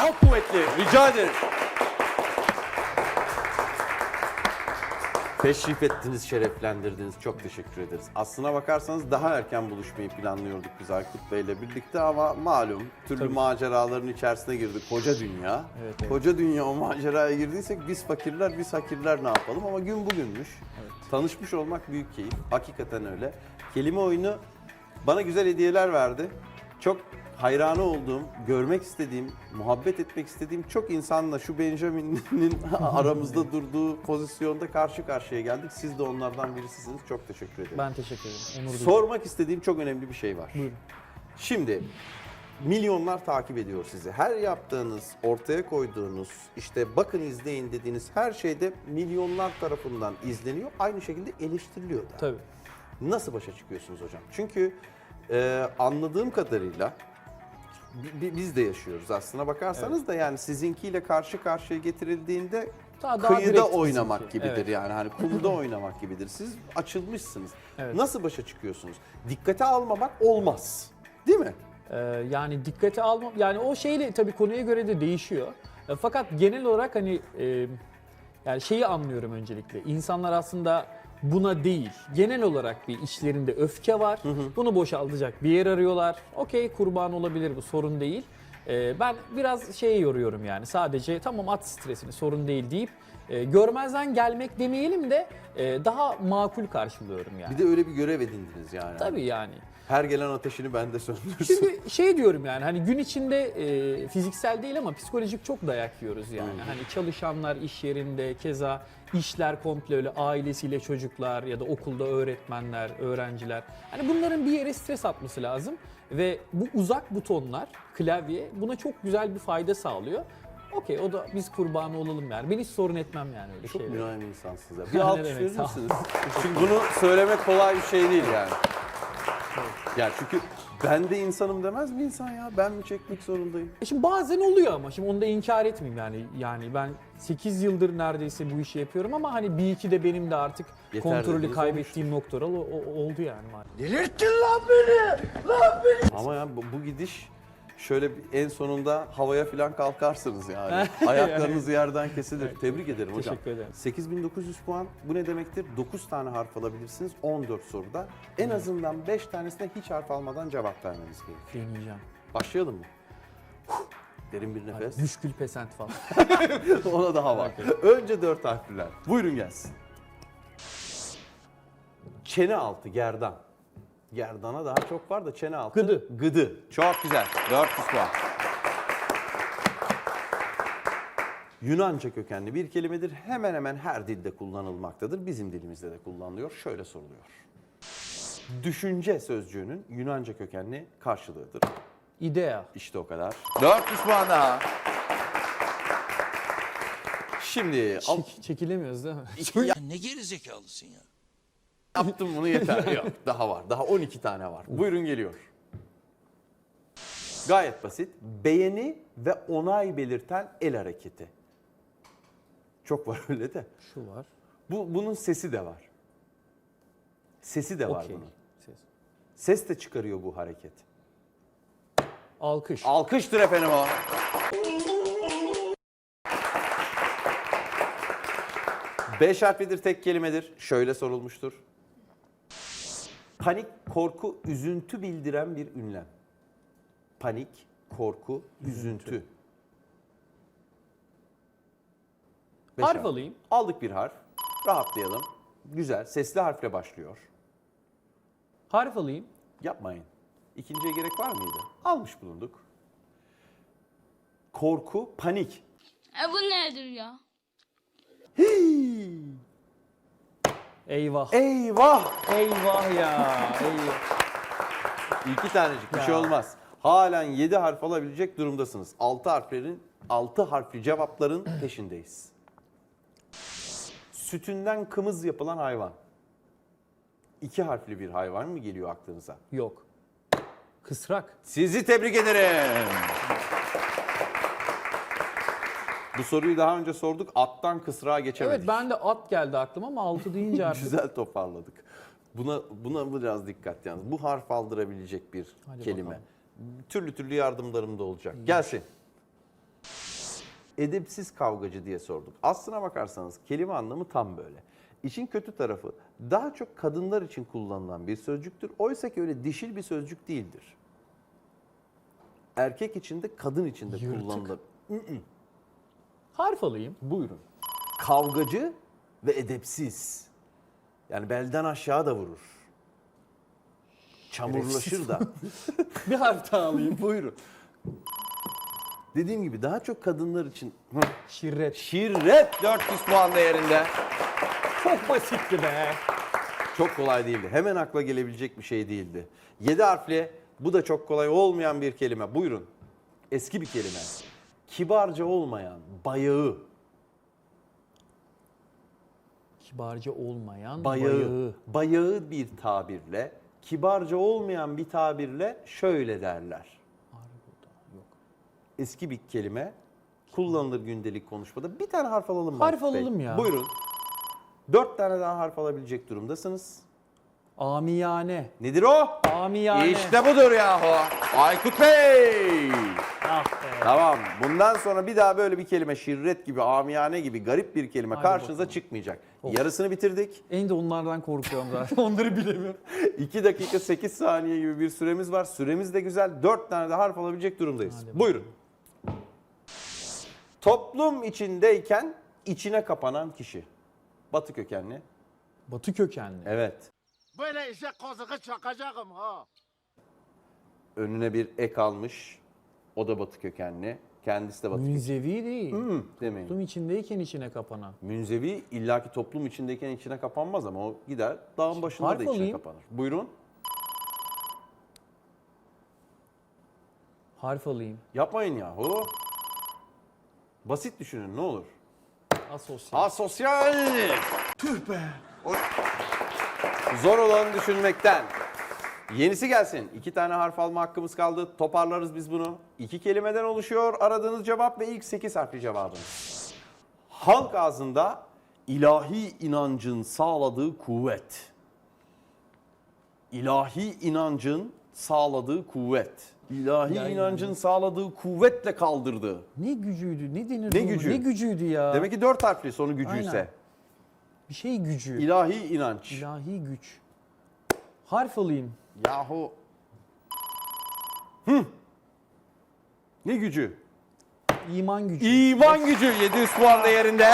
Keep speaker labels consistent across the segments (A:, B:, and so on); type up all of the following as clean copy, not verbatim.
A: Çok kuvvetli. Rica ederim. Teşrif ettiniz, şereflendirdiniz. Çok teşekkür ederiz. Aslına bakarsanız daha erken buluşmayı planlıyorduk biz Aykut Bey'le birlikte ama malum türlü maceraların içerisine girdik. Koca dünya.
B: Evet, evet.
A: Koca dünya o maceraya girdiysek biz fakirler, biz hakirler ne yapalım? Ama gün bugünmüş.
B: Evet.
A: Tanışmış olmak büyük keyif. Hakikaten öyle. Kelime oyunu bana güzel hediyeler verdi. Çok hayranı olduğum, görmek istediğim, muhabbet etmek istediğim çok insanla şu Benjamin'in aramızda durduğu pozisyonda karşı karşıya geldik. Siz de onlardan birisisiniz. Çok teşekkür ederim.
B: Ben teşekkür ederim. Onur duydum.
A: Sormak istediğim çok önemli bir şey var.
B: Buyurun.
A: Şimdi milyonlar takip ediyor sizi. Her yaptığınız, ortaya koyduğunuz, işte bakın izleyin dediğiniz her şeyde milyonlar tarafından izleniyor. Aynı şekilde eleştiriliyor da.
B: Tabii.
A: Nasıl başa çıkıyorsunuz hocam? Çünkü anladığım kadarıyla biz de yaşıyoruz aslına bakarsanız da yani sizinkiyle karşı karşıya getirildiğinde
B: Daha
A: kıyıda
B: direkt
A: oynamak
B: bizimki.
A: gibidir
B: Evet.
A: yani hani kumda oynamak gibidir. Siz açılmışsınız.
B: Evet.
A: Nasıl başa çıkıyorsunuz? Dikkate almamak olmaz. Değil mi?
B: Yani dikkate almam, yani o şeyle tabii konuya göre de değişiyor. Fakat genel olarak hani yani şeyi anlıyorum öncelikle. İnsanlar aslında buna değil, genel olarak bir içlerinde öfke var. Bunu boşaltacak bir yer arıyorlar. Okey, kurban olabilir, bu sorun değil. Ben biraz şeyi yoruyorum yani, sadece tamam at stresini, sorun değil deyip görmezden gelmek demeyelim de daha makul karşılıyorum yani.
A: Bir de öyle bir görev edindiniz yani.
B: Tabii yani.
A: Her gelen ateşini bende söndürsün.
B: Şimdi şey diyorum yani, hani gün içinde fiziksel değil ama psikolojik çok dayak yiyoruz yani. Hani çalışanlar iş yerinde, keza işler komple öyle, ailesiyle çocuklar ya da okulda öğretmenler, öğrenciler. Hani bunların bir yere stres atması lazım ve bu uzak butonlar, klavye buna çok güzel bir fayda sağlıyor. Okey, o da biz kurbanı olalım yani. Ben hiç sorun etmem yani öyle
A: Çok
B: şeyleri.
A: mülayim insansınız ya. Bir
B: Ne
A: alkış
B: demek,
A: verir
B: sağ ol.
A: misiniz? Çünkü bunu söylemek kolay bir şey değil yani. Yani çünkü ben de insanım demez mi insan ya? Ben mi çekmek zorundayım?
B: Şimdi bazen oluyor ama şimdi onu da inkar etmeyeyim yani. Yani ben 8 yıldır neredeyse bu işi yapıyorum ama hani bir iki de benim de artık
A: Yeter
B: kontrolü
A: dediğiniz
B: kaybettiğim noktalar oldu yani.
C: Delirttin lan beni! Lan beni!
A: Ama ya bu gidiş şöyle en sonunda havaya falan kalkarsınız yani. Ayaklarınız yerden kesilir. Tebrik ederim hocam.
B: Teşekkür ederim.
A: 8900 puan bu ne demektir? 9 tane harf alabilirsiniz 14 soruda. En azından 5 tanesine hiç harf almadan cevap vermeniz gerekiyor.
B: Deneyeceğim.
A: Başlayalım mı? Derin bir nefes.
B: Müşkül pesent falan.
A: Ona daha var. Önce 4 harfliler. Buyurun gelsin. Çene altı, gerdan. Gerdana daha çok var da çene altı.
B: Gıdı.
A: Gıdı. Çok güzel. 400 puan. Yunanca kökenli bir kelimedir. Hemen hemen her dilde kullanılmaktadır. Bizim dilimizde de kullanılıyor. Şöyle soruluyor. Düşünce sözcüğünün Yunanca kökenli karşılığıdır.
B: İdea.
A: İşte o kadar. 400 puan daha. Şimdi
B: Çekilemiyoruz değil mi?
C: Ne gerizekalısın ya.
A: yaptım bunu yeter. Yok, daha var. Daha 12 tane var. Buyurun geliyor. Gayet basit. Beğeni ve onay belirten el hareketi. Çok var öyle de.
B: Şu var.
A: Bunun sesi de var. Sesi de var
B: Okey.
A: bunun.
B: Ses.
A: Ses de çıkarıyor bu hareket.
B: Alkış.
A: Alkıştır efendim o. Beş harflidir, tek kelimedir. Şöyle sorulmuştur. Panik, korku, üzüntü bildiren bir ünlem. Panik, korku, üzüntü. Beş
B: Harf alayım.
A: Aldık bir harf. Rahatlayalım. Güzel. Sesli harfle başlıyor.
B: Harf alayım.
A: Yapmayın. İkinciye gerek var mıydı? Almış bulunduk. Korku, panik.
D: Bu nedir ya?
A: Hii!
B: Eyvah.
A: Eyvah!
B: Eyvah ya. Eyvah.
A: İki tanecik bir
B: Ya.
A: şey olmaz. Halen 7 harf alabilecek durumdasınız. 6 harfli cevapların peşindeyiz. Sütünden kımız yapılan hayvan. 2 harfli bir hayvan mı geliyor aklınıza?
B: Yok. Kısrak.
A: Sizi tebrik ederim. Bu soruyu daha önce sorduk. Attan kısrağa geçemedik.
B: Evet, ben de at geldi aklıma ama 6 deyince artık.
A: Güzel toparladık. Buna biraz dikkat yalnız. Bu harf aldırabilecek bir
B: Hadi
A: kelime.
B: bakalım.
A: Türlü türlü yardımlarım da olacak. Gelsin. edepsiz kavgacı diye sorduk. Aslına bakarsanız kelime anlamı tam böyle. İşin kötü tarafı daha çok kadınlar için kullanılan bir sözcüktür. Oysa ki öyle dişil bir sözcük değildir. Erkek için de kadın için de
B: Yırtık.
A: kullanılır.
B: Harf alayım.
A: Buyurun. Kavgacı ve edepsiz. Yani belden aşağı da vurur. Çamurlaşır da.
B: Bir harf daha alayım.
A: Buyurun. Dediğim gibi daha çok kadınlar için
B: Şirret.
A: şirret 400 puan değerinde.
B: Çok basitti be.
A: Çok kolay değildi. Hemen akla gelebilecek bir şey değildi. 7 harfli, bu da çok kolay olmayan bir kelime. Buyurun. Eski bir kelime. Kibarca olmayan, bayağı.
B: Kibarca olmayan
A: Bayağı. Bayağı bir tabirle, kibarca olmayan bir tabirle şöyle derler.
B: Yok.
A: Eski bir kelime. Kullanılır gündelik konuşmada. Bir tane harf alalım mı?
B: Harf
A: Aykut Bey?
B: alalım ya.
A: Buyurun. 4 tane daha harf alabilecek durumdasınız.
B: Amiyane.
A: Nedir o?
B: Amiyane.
A: İşte budur yahu. Aykut Bey.
B: Ah be.
A: Tamam. Bundan sonra bir daha böyle bir kelime şirret gibi, amiyane gibi garip bir kelime
B: Hadi
A: karşınıza
B: bakalım.
A: çıkmayacak.
B: Of.
A: Yarısını bitirdik.
B: En de onlardan korkuyorum zaten. Onları bilemiyorum.
A: 2 dakika 8 saniye gibi bir süremiz var. Süremiz de güzel. 4 tane de harf alabilecek durumdayız.
B: Hadi
A: Buyurun. Toplum içindeyken içine kapanan kişi. Batı kökenli.
B: Batı kökenli.
A: Evet.
C: Böyle işe kazıkı çakacağım ha.
A: Önüne bir ek almış. O da Batı kökenli. Kendisi de Batı kökenli.
B: Münzevi değil.
A: Demeyin.
B: Toplum içindeyken içine kapanan.
A: Münzevi illaki toplum içindeyken içine kapanmaz ama o gider dağın başında
B: Harf
A: da içine
B: alayım.
A: kapanır. Buyurun.
B: Harf alayım.
A: Yapmayın yahu. Basit düşünün ne olur.
B: Asosyal.
A: Asosyal. Tüh be. Zor olanı düşünmekten. Yenisi gelsin. 2 tane harf alma hakkımız kaldı. Toparlarız biz bunu. 2 kelimeden oluşuyor aradığınız cevap ve ilk 8 harfli cevabınız. Halk ağzında ilahi inancın sağladığı kuvvet. İlahi inancın sağladığı kuvvet. İlahi
B: İlahi
A: inancın sağladığı kuvvetle kaldırdı.
B: Ne gücüydü? Ne denirdi
A: Ne
B: ona?
A: gücü?
B: Ne gücüydü ya?
A: Demek ki 4 harfli sonu gücüyse.
B: Aynen. Bir şey gücü.
A: İlahi inanç.
B: İlahi güç. Harf alayım.
A: Yahu. Ne gücü?
B: İman gücü.
A: İman gücü 700 puan değerinde.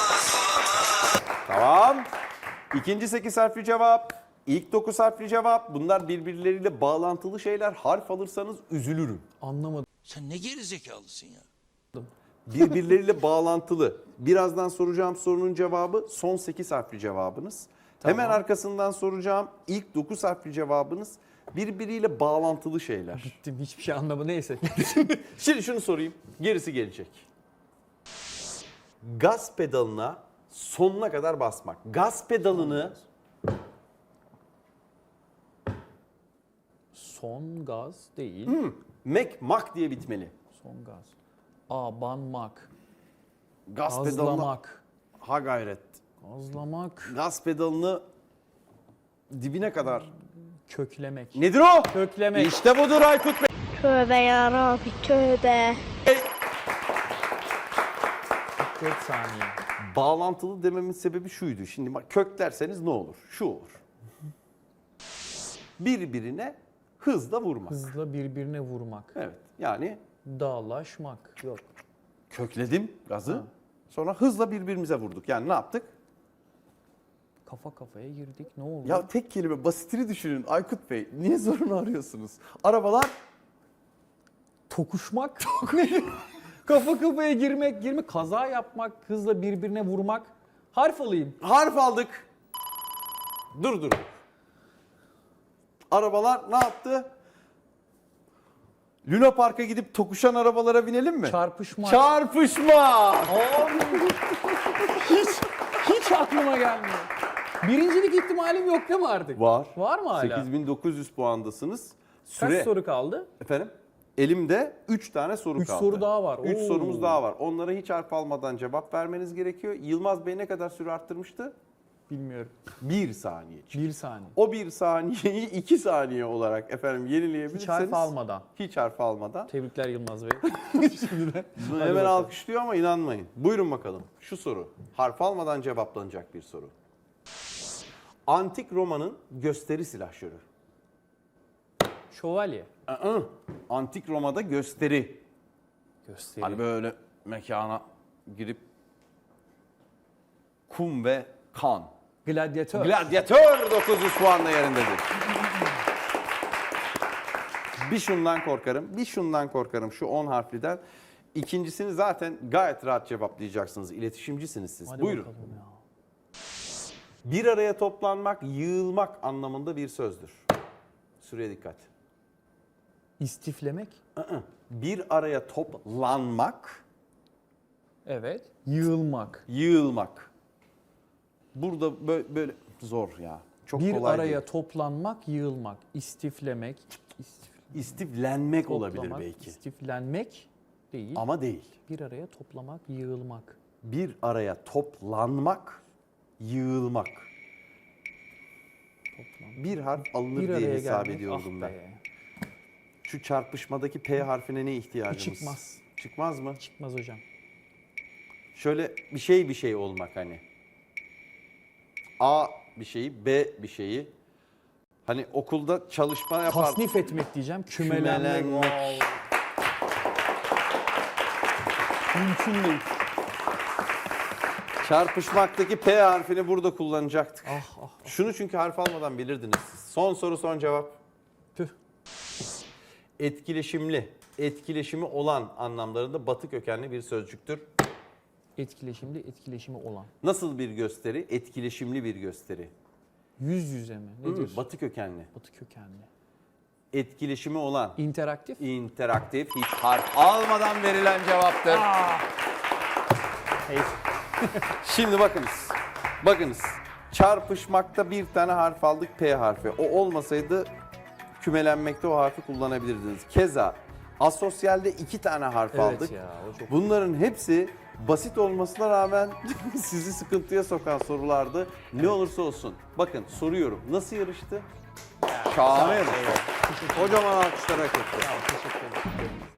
A: Tamam. İkinci 8 harfli cevap. İlk 9 harfli cevap. Bunlar birbirleriyle bağlantılı şeyler. Harf alırsanız üzülürüm.
B: Anlamadım.
C: Sen ne gerizekalısın ya.
A: Birbirleriyle bağlantılı. Birazdan soracağım sorunun cevabı son 8 harfli cevabınız. Hemen arkasından soracağım ilk 9 harfli cevabınız birbiriyle bağlantılı şeyler.
B: Bittim. Hiçbir şey anlamadım. Neyse.
A: Şimdi şunu sorayım. Gerisi gelecek. Gaz pedalına sonuna kadar basmak. Gaz pedalını
B: Son gaz değil.
A: mak diye bitmeli.
B: Son gaz. Abanmak.
A: Gaz pedalına
B: Gazlamak.
A: ha gayret.
B: Gazlamak.
A: Gaz pedalını dibine kadar.
B: Köklemek.
A: Nedir o?
B: Köklemek.
A: İşte budur Aykut Bey.
E: Tövbe yarabbi tövbe.
B: 4 saniye.
A: Bağlantılı dememin sebebi şuydu. Şimdi bak kök derseniz ne olur? Şu olur. Birbirine hızla vurmak.
B: Hızla birbirine vurmak.
A: Evet. Yani
B: Dağlaşmak. Yok.
A: kökledim gazı. Sonra hızla birbirimize vurduk. Yani ne yaptık?
B: Kafa kafaya girdik. Ne oldu?
A: Ya tek kelime basitini düşünün Aykut Bey. Niye zorunu arıyorsunuz? Arabalar
B: Tokuşmak. Kafa kafaya girmek, kaza yapmak, hızla birbirine vurmak. Harf alayım.
A: harf aldık. Dur. Arabalar ne yaptı? Luna Park'a gidip tokuşan arabalara binelim mi?
B: Çarpışmak.
A: Çarpışma.
B: Hiç aklıma gelmiyor. Birincilik ihtimalim yok değil mi artık?
A: Var.
B: Var mı hala?
A: 8900 puandasınız.
B: Kaç soru kaldı?
A: Efendim? Elimde 3 tane soru
B: Üç
A: kaldı.
B: soru daha var.
A: 3
B: Oo.
A: sorumuz daha var. Onlara hiç harf almadan cevap vermeniz gerekiyor. Yılmaz Bey ne kadar süre arttırmıştı?
B: Bilmiyorum.
A: 1 saniye.
B: 1 saniye.
A: O 1 saniyeyi 2 saniye olarak efendim yenileyebilirseniz.
B: Hiç harf almadan.
A: Hiç harf almadan.
B: Tebrikler Yılmaz Bey. Şimdiden.
A: Bunu
B: Hadi
A: hemen
B: bakalım.
A: alkışlıyor ama inanmayın. Buyurun bakalım. Şu soru. Harf almadan cevaplanacak bir soru. Antik Roma'nın gösteri silahşörü.
B: Şövalye.
A: Antik Roma'da gösteri.
B: Gösteri.
A: Hani böyle mekana girip kum ve kan.
B: Gladyatör.
A: Gladyatör 900 puanla yerindedir. Bir şundan korkarım, bir şundan korkarım şu 10 harfliden. İkincisini zaten gayet rahat cevaplayacaksınız. İletişimcisiniz siz.
B: Hadi
A: Buyurun.
B: bakalım ya.
A: Bir araya toplanmak, yığılmak anlamında bir sözdür. Süreye dikkat.
B: İstiflemek.
A: Bir araya toplanmak,
B: Evet. Yığılmak.
A: yığılmak. Burada böyle zor ya. Çok
B: Bir
A: kolay
B: araya
A: değil.
B: toplanmak, yığılmak. İstiflemek.
A: İstiflenmek olabilir
B: toplamak,
A: belki.
B: İstiflenmek değil.
A: Ama değil.
B: Bir araya toplamak, yığılmak.
A: Bir araya toplanmak, yığılmak.
B: Toplam.
A: Bir harf alınır
B: Bir
A: diye
B: araya
A: hesap
B: gelmek.
A: ediyordum
B: Ah
A: ben.
B: be.
A: Şu çarpışmadaki P harfine ne ihtiyacımız?
B: Çıkmaz.
A: Çıkmaz mı?
B: Çıkmaz hocam.
A: Şöyle bir şey olmak hani. A bir şeyi, B bir şeyi. Hani okulda çalışma yapar.
B: Tasnif etmek diyeceğim. Kümelenmek.
A: Kümelenmek.
B: Mümkün değil.
A: Çarpışmaktaki P harfini burada kullanacaktık.
B: Ah ah.
A: Şunu çünkü harf almadan bilirdiniz siz. Son soru, son cevap.
B: Tüh.
A: Etkileşimli, etkileşimi olan anlamlarında batı kökenli bir sözcüktür.
B: Etkileşimi olan.
A: Nasıl bir gösteri? Etkileşimli bir gösteri.
B: Yüz yüze mi? Nedir?
A: Batı kökenli.
B: Batı kökenli.
A: Etkileşimi olan,
B: İnteraktif.
A: interaktif, hiç harf almadan verilen cevaptır.
B: Hey.
A: Şimdi bakınız. Bakınız. Çarpışmakta bir tane harf aldık, P harfi. O olmasaydı kümelenmekte o harfi kullanabilirdiniz. Keza asosyalde 2 tane harf
B: Evet
A: aldık.
B: ya, o çok-
A: Bunların hepsi basit olmasına rağmen sizi sıkıntıya sokan sorulardı. Ne olursa olsun. Bakın soruyorum. Nasıl yarıştı? Şahane yarıştı. Kocaman alkışlar hak etti.
B: Teşekkür ederim.